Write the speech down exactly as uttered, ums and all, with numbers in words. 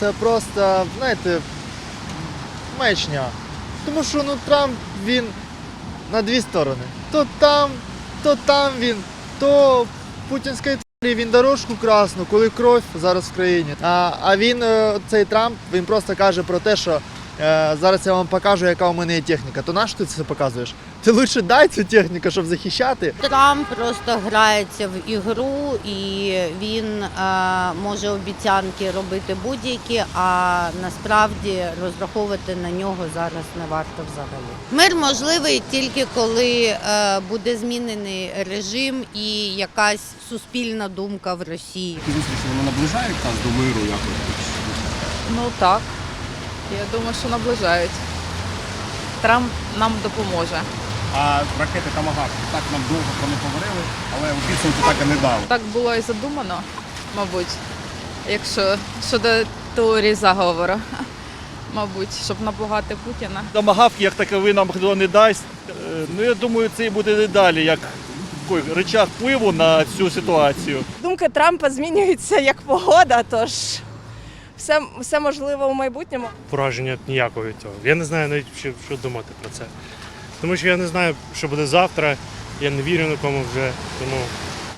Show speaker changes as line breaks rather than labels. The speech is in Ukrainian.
це просто, знаєте, маячня. Тому що ну, Трамп, він на дві сторони. То там, то там він, то путінської тварі він дорожку красну, коли кров зараз в країні. А, а він, цей Трамп, він просто каже про те, що е, зараз я вам покажу, яка у мене є техніка. То нащо ти це показуєш? Ти лише дай цю техніку, щоб захищати.
Трамп просто грається в ігру і він е, може обіцянки робити будь-які, а насправді розраховувати на нього зараз не варто взагалі. Мир можливий тільки коли е, буде змінений режим і якась суспільна думка в Росії.
Ці зустрічі вони наближають нас до миру якось?
Ну так, я думаю, що наближають. Трамп нам допоможе.
А ракети «Томагавк» так нам довго про не говорили, але у підсумку так і не дали.
Так було і задумано, мабуть, якщо щодо теорії заговору. Мабуть, щоб напугати Путіна.
Томагавк як таковий нам хто не дасть. Е, Ну, я думаю, це і буде не далі, як такий рычаг впливу на цю ситуацію.
Думки Трампа змінюються як погода, тож все, все можливо у майбутньому.
Пораження ніякого від цього. Я не знаю навіть, що, що думати про це. Тому що я не знаю, що буде завтра, я не вірю нікому вже, тому